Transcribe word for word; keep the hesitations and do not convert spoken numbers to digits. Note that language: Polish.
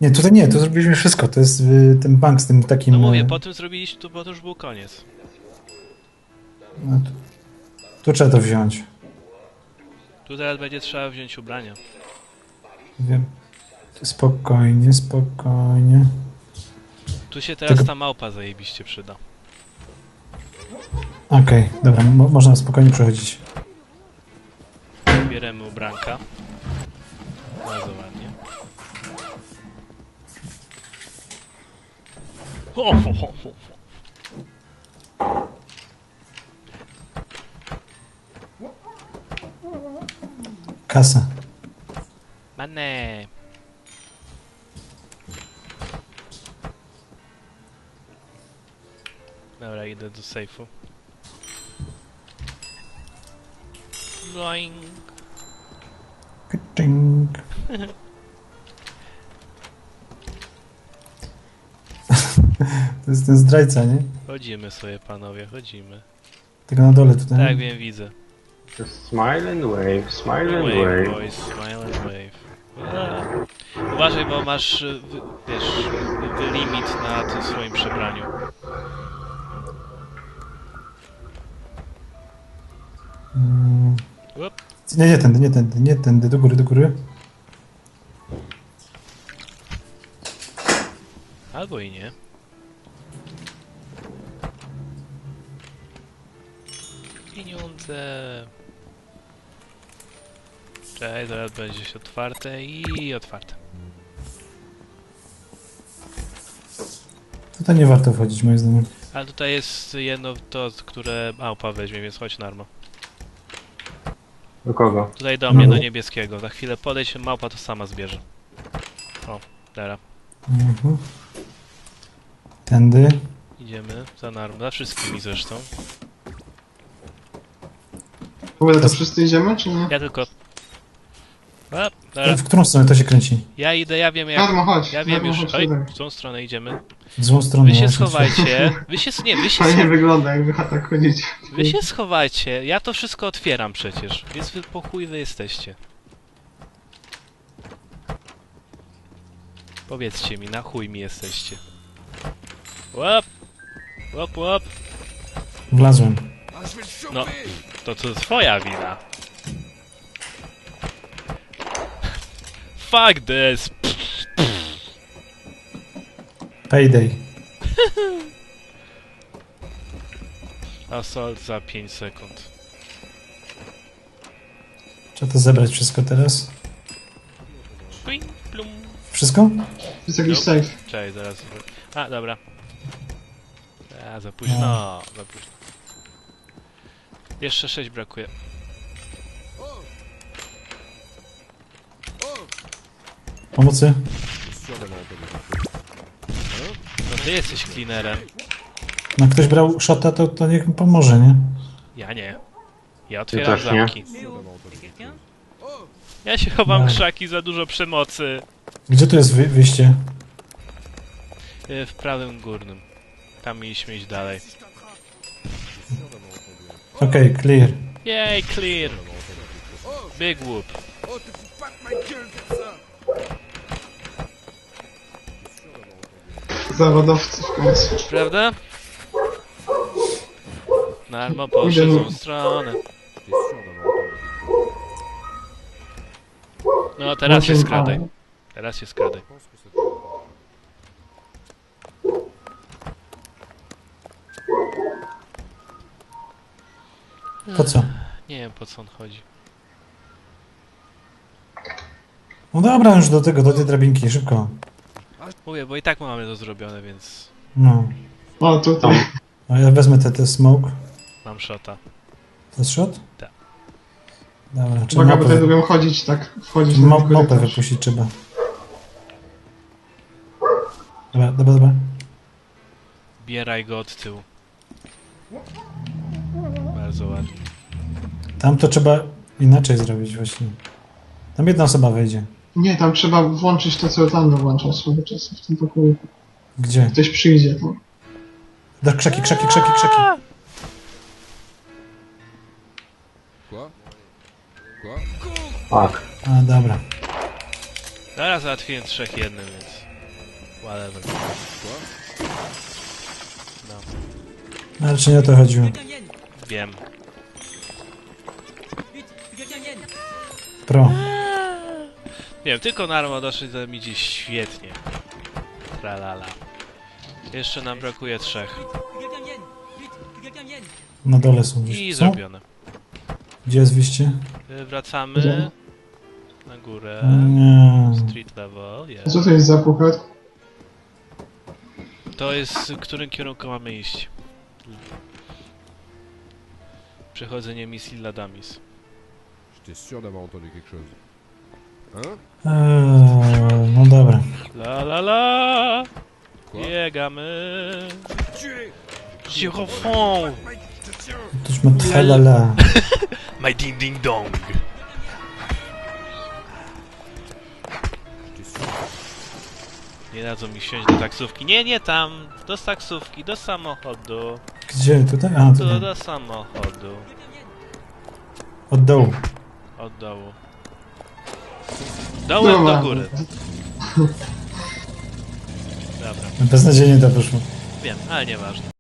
Nie, tutaj nie, tu zrobiliśmy wszystko. To jest y, ten bank z tym takim... No mówię, y, po tym zrobiliśmy, to, bo to już był koniec. no, tu, tu trzeba to wziąć. Tu teraz będzie trzeba wziąć ubrania. Wiem. Spokojnie, spokojnie. Tu się teraz Tylko- ta małpa zajebiście przyda. Okej, dobra, mo można spokojnie przechodzić. Bieremy ubranka. Bardzo ładnie. Ho, ho, ho, ho. Kasa. Mane. Dobra, idę do sejfu. Bloing. Czing. To jest ten zdrajca, nie? Chodzimy sobie, panowie, chodzimy. Tylko na dole tutaj. Tak, wiem, widzę. Just smile and wave, smile and Wave, wave. boys, smile and wave. A. Uważaj, bo masz, y, wy- wiesz, y, limit na tym swoim przebraniu. Mm. Up. Nie, nie tędy, nie tędy, nie tędy, do góry, do góry. Albo i nie. Pieniądze. Cześć, zaraz będzie się otwarte i otwarte. Tutaj nie warto wchodzić, moim zdaniem. Ale tutaj jest jedno to, które małpa weźmie, więc chodź Narmo. Do kogo? Tutaj do mnie, No. do niebieskiego. Za chwilę podejdź, małpa to sama zbierze. O, dobra. Mhm. Tędy. Idziemy za Narmo, za wszystkimi zresztą. W ogóle to wszyscy idziemy, czy nie? Ja tylko... A, dobra. W którą stronę to się kręci? Ja idę, ja wiem jak... Narmo, chodź. Ja wiem Narmo, już. chodź Oj, tutaj. w tą stronę idziemy. W złą stronę. Wy się właśnie. schowajcie. Wy się... Nie, wy się... Fajnie Scho... wygląda, jak wy tak chodzicie. Wy się schowajcie. Ja to wszystko otwieram przecież. Więc wy po chuj wy jesteście. Powiedzcie mi, na chuj mi jesteście. Łap! Łap, łap! Wlazłem. No, to to twoja wina. Fuck this! Payday. Assault za pięć sekund. Trzeba to zebrać wszystko teraz. Ping, plum. Wszystko? Jest jakiś Nope. safe. Cześć, zaraz. A, dobra. A, za późno. No, za późno. Jeszcze sześć brakuje. Pomocy? No ty jesteś cleanerem. No ktoś brał shota, to, to niech mi pomoże, nie? Ja nie. Ja otwieram też nie. zamki. Ja się chowam No. krzaki, za dużo przemocy. Gdzie tu jest wy wyjście? Y, W prawym górnym. Tam mieliśmy iść dalej. Okej, okay, clear. Yay, clear! Big whoop. Zawodowcy w końcu. Prawda? Narmo poszedł w tą stronę. No teraz się skradaj. Teraz się skradaj. Po co? Nie wiem po co on chodzi. No dobra, już do tego, do tej drabinki, szybko. Mówię, bo i tak mamy to zrobione, więc No. O, tutaj. A ja wezmę te, te smoke. mam shota. To jest shot? Tak. Dobra, trzeba Uwaga, bo mapę, tutaj lubią chodzić, tak? Wchodzić na ma, ten mapę korytarz. wypuścić trzeba. Dobra, dobra, dobra. Bieraj go od tyłu. Bardzo ładnie. Tam to trzeba inaczej zrobić właśnie. Tam jedna osoba wejdzie. Nie, tam trzeba włączyć to, co tam włączał swego czasu w tym pokoju. Gdzie? Ktoś przyjdzie tam. Da, krzaki, krzaki, krzaki, krzaki. Tak. A, dobra. Teraz załatwiłem trzech jednym, więc... Whatever. No, Ale czy nie o to chodziło? wiem. Pro. Nie wiem, tylko Narmo doszedł, to mi idzie świetnie. Tralala. Jeszcze nam brakuje trzech. Na dole są I gdzieś. Co? zrobione. Gdzie jest wyjście? Y, Wracamy na górę. Nie. Street level, A jest. co to jest za puchat? To jest, w którym kierunku mamy iść. Przechodzenie misji Ladamis. J'étais sûr d'avoir entendu quelque chose. Hein? Eee, no dobra. La la la! Quoi? Biegamy! Girofon! Tośmy tralala. My ding ding dong! J'étais sûr. Nie dadzą mi wsiąść do taksówki. Nie, nie tam! Do taksówki, do samochodu. Gdzie? Tutaj? A, Do, tutaj. do samochodu. Od dołu. Od dołu. Dołem do góry. Dobra, Beznadziejnie to wyszło. wiem, ale nieważne.